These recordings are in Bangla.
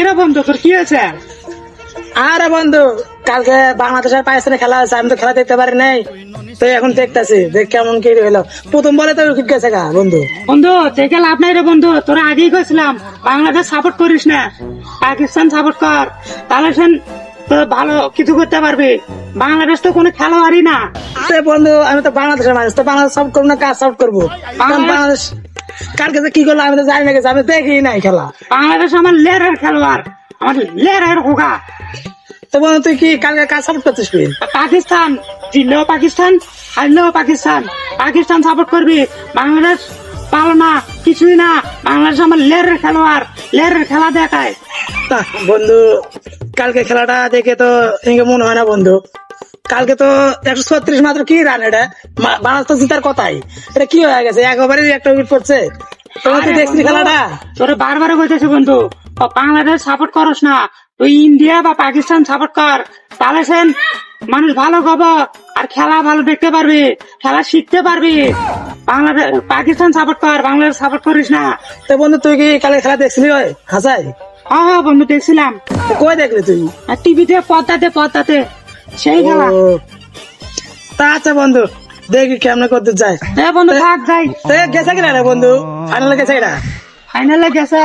রে বন্ধু, তোর কি হয়েছে? আরে বন্ধু, কালকে বাংলাদেশের পাকিস্তানে খেলা আছে, আমি তো খেলা দেখতে পারি নাই, তো এখন দেখতেছি দেখ কেমন কি হলো। প্রথম বলে তো উইকেট গেছে গা বন্ধু। বন্ধু দেখে লাভ নাই রে বন্ধু, তোরা আগেই কইছিলাম বাংলাদেশ সাপোর্ট করিস না, পাকিস্তান সাপোর্ট কর, তাহলে সেন তো ভালো কিছু করতে পারবি। বাংলাদেশ তো কোনো খেলোয়াড়ই না। আরে বন্ধু, আমি তো বাংলাদেশের মানুষ, তো বাংলাদেশ সাপোর্ট করবো না কাজ সাপোর্ট করবো? কারণ বাংলাদেশ কালকে যে কি করলো আমি তো জানি না, আমি দেখি নাই খেলা। বাংলাদেশ আমার লেরের খেলোয়াড়, আমার লেরের হোগা। তো বন্ধু তুই কি কালকে কাজ সাপোর্ট করছিস? তুই পাকিস্তান জিতলেও পাকিস্তান, হারলেও পাকিস্তান, পাকিস্তান সাপোর্ট করবি। বাংলাদেশ পালো না, কিছুই না। বাংলাদেশ আমার লেরের খেলোয়াড়, লেরের খেলা দেখায়। তা বন্ধু, কালকে খেলাটা দেখে তো এদিকে মনে হয় না বন্ধু। কালকে তো 136 মাত্র কি রান, এটা বাংলাদেশ তো জিতার কথাই, এটা কি হয়ে গেছে? একবারে একটা উইকেট পড়ছে। তোমরা তো দেখছি খেলাটা। তোরে বারবার বলতেছি বন্ধু, বাংলাদেশ সাপোর্ট করস না, তুই ইন্ডিয়া বা পাকিস্তান সাপোর্ট কর, তাহলে সেন মানুষ ভালো খবর আর খেলা ভালো দেখতে পারবি, খেলা শিখতে পারবি। বাংলাদেশ পাকিস্তান সাপোর্ট কর, বাংলাদেশ সাপোর্ট করিস না। তো বন্ধু তুই কি কালকে খেলা দেখছিলি? হয় হাসাই হ্যাঁ বন্ধু দেখছিলাম, কই দেখলি তুই? আর টিভিতে পর্দাতে সেই খেলা। ও, তা আচ্ছা বন্ধু, দেখি কেমন করতে যায়। হ্যাঁ বন্ধু থাক যাই। তো গেছে কিনা রে বন্ধু? ফাইনালে গেছে কিনা? ফাইনালে গেছে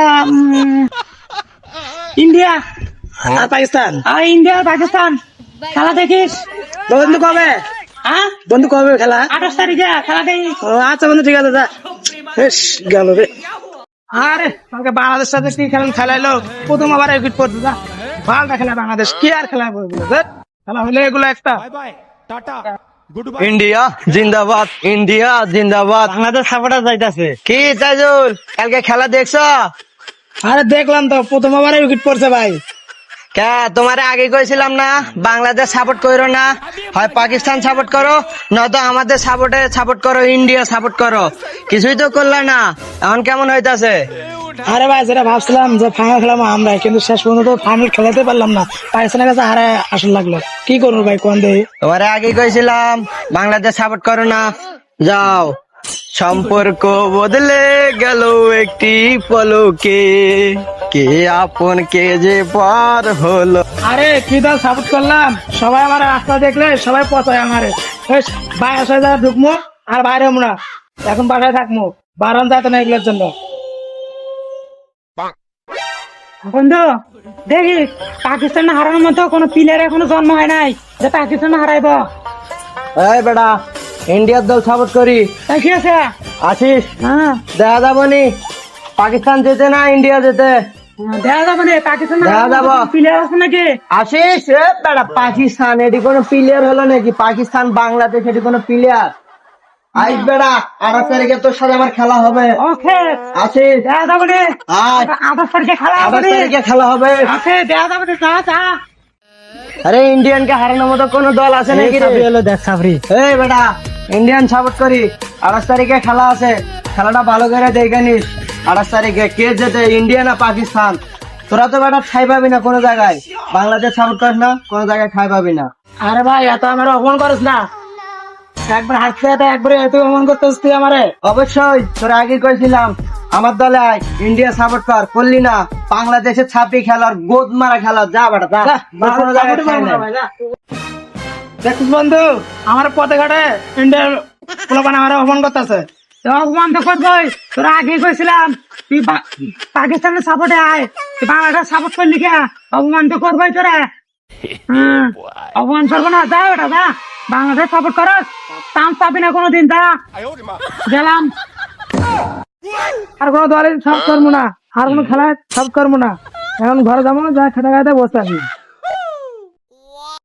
ইন্ডিয়া আর পাকিস্তান? আর ইন্ডিয়া আর পাকিস্তান। খেলা দেখিস? বন্ধু কবে? হ্যাঁ বন্ধু কবে খেলা? 28 তারিখে খেলা দেখি। ও আচ্ছা বন্ধু, ঠিক আছে, যা। বেশ গেল রে। আরে কালকে বাংলাদেশ সাথে কি খেলাইলো, প্রথম আবার উইকেট পড়ছে। যা ভালটা খেলা বাংলাদেশ, কি আর খেলা বলবো, খেলা হলে এগুলো একটা। ইন্ডিয়া জিন্দাবাদ, ইন্ডিয়া জিন্দাবাদ। বাংলাদেশ সাপোর্টার যাইতাছে। কি তাইজুল, কালকে খেলা দেখছো? আরে দেখলাম তো, প্রথম আবার উইকেট পড়ছে ভাই। কে তোমারে আগে কইছিলাম না বাংলাদেশ সাপোর্ট করো না, হয় পাকিস্তান সাপোর্ট করো, নয়তো আমাদের সাপোর্ট করো, ইন্ডিয়া সাপোর্ট করো। কিছুই তো করলে না, এখন কেমন হইতাছে? আরে ভাই, যেটা ভাবছিলাম যে ফাইনাল খেলাম আমরা, কিন্তু শেষ পর্যন্ত ফাইনাল খেলাতে পারলাম না, পাকিস্তানের কাছে হারে আসল লাগলো। কি করবো ভাই, কোন দেই? তোমারে আগে কইছিলাম বাংলাদেশ সাপোর্ট করো না, যাও। সম্পর্ক বদলে গেল একটি পলকে, কে আপন কে যে পার হলো। আরে কি দল সাপোর্ট করলাম, সবাই আমার রাস্তা দেখলে সবাই পচায় আমারে। বাসায় যা ঢুকবো আর বাইরে হবো না, এখন বাসায় থাকবো, বারণ যাতে না এগুলোর জন্য। বন্ধু দেখি পাকিস্তান হারানোর মতো কোনো প্লেয়ার এখনো জন্ম হয় নাই যে পাকিস্তান হারাইব। এই বেটা, ইন্ডিয়ার দল সাপোর্ট করি, তাই কি আছে? আসিস? হ্যাঁ দেখা যাবো নি পাকিস্তান যেতে না ইন্ডিয়া যেতে? দেখা যাবে না পাকিস্তান দেখা যাবো। প্লেয়ার আছে নাকি? আসিস? এ বেটা, পাকিস্তান এটি কোনো প্লেয়ার হলো নাকি? পাকিস্তান বাংলাদেশ এটি কোনো প্লেয়ার? আইস বেটা, 28 তারিখে তোর সাথে আমার খেলা হবে। ওকে আসিস? দেখা যাবে না। আয়, 28 তারিখে খেলা হবে। 28 তারিখে খেলা হবে। ওকে দেখা যাবে না। যা যা। আরে ইন্ডিয়ানকে হারানোর মতো কোন দল আছে নাকি রে? দেখ সাবরি, এই বেটা, ইন্ডিয়ান সাপোর্ট করি, 28 তারিখে খেলা আছে, খেলাটা ভালো করে দেখে নিস। 28 তারিখে কে যেতে, ইন্ডিয়া না পাকিস্তান? তোরা তো বেটা ঠাই পাবি না কোনো জায়গায়, বাংলাদেশ সাপোর্ট করিস না, কোনো জায়গায় ঠাই পাবি না। আরে ভাই এত আমার অপমান করিস না, একবার হাসতে হাতে একবারে এত অপমান করতেছিস তুই আমারে। অবশ্যই, তোরা আগে কইছিলাম আমার দলে আয়, ইন্ডিয়া সাপোর্ট কর, করলি না। বাংলাদেশের ছাপি খেলার গোদ মারা খেলা, যা বেটা যা, তোর কোনো জায়গায় ঠাঁই নাই। দেখছিস বন্ধু, আমার পথে ঘাটে ইন্ডিয়ার পোলাপান আমার অপমান করতেছে। অপমান তো করবই, তোরা আগে কইছিলাম তুই পাকিস্তানের সাপোর্টে আয়, তুই বাংলাদেশ সাপোর্ট করলি কে? অপমান তো করবই তোরা। হ্যাঁ অপমান করবো না, যা ওটা যা, বাংলাদেশ সাপোর্ট করস, চান্স পাবি না কোনোদিন। যা গেলাম। আর কোনো দলে সব করবো না, আর কোনো খেলায় সব করবো না, এখন ঘরে যাবো, যা খেতে খাইতে বসে আছি।